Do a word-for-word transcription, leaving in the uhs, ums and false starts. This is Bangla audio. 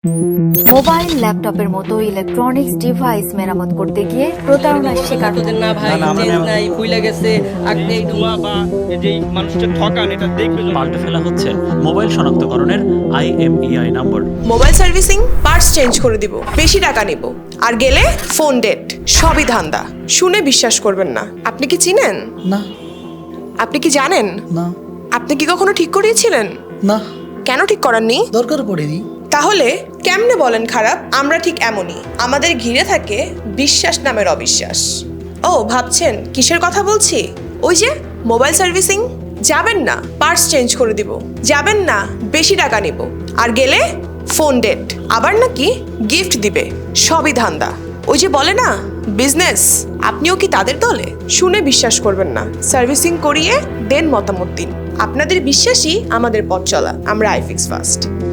মোবাইল ল্যাপটপের মতো ইলেকট্রনিক্স ডিভাইস মেরামত করতে গিয়ে প্রতারণার শিকার তোদের না ভাই চেঞ্জ নাই ভুলে গেছে আগে ধোয়া বা এই যে মানুষটা ঠকান এটা দেখবে পাল্টে ফেলা হচ্ছে মোবাইল শনাক্তকরণের IMEI number. Mobile servicing parts change করে দিব, বেশি টাকা নিব, আর গেলে ফোন ডেট, সবই ধান্দা। শুনে বিশ্বাস করবেন না। আপনি কি চিনেন? না। আপনি কি জানেন? না। আপনি কি কখনো ঠিক করিয়েছিলেন? না। কেন ঠিক করাননি? দরকার পড়েনি। তাহলে কেমনে বলেন খারাপ? আমরা ঠিক এমনই, আমাদের ঘিরে থাকে বিশ্বাস নামের অবিশ্বাস। ও ভাবছেন কিসের কথা বলছি? ওই যে মোবাইল সার্ভিসিং। যাবেন না, পার্টস চেঞ্জ করে দিব, যাবেন না, বেশি টাকা নিব, আর গেলে ফোন ডেট, আবার নাকি গিফট দিবে, সবই ধান্দা। ওই যে বলে না বিজনেস, আপনিও কি তাদের দলে? শুনে বিশ্বাস করবেন না, সার্ভিসিং করিয়ে দেন মতামত দিন। আপনাদের বিশ্বাসই আমাদের পথ চলা। আমরা আইফিক্স ফার্স্ট।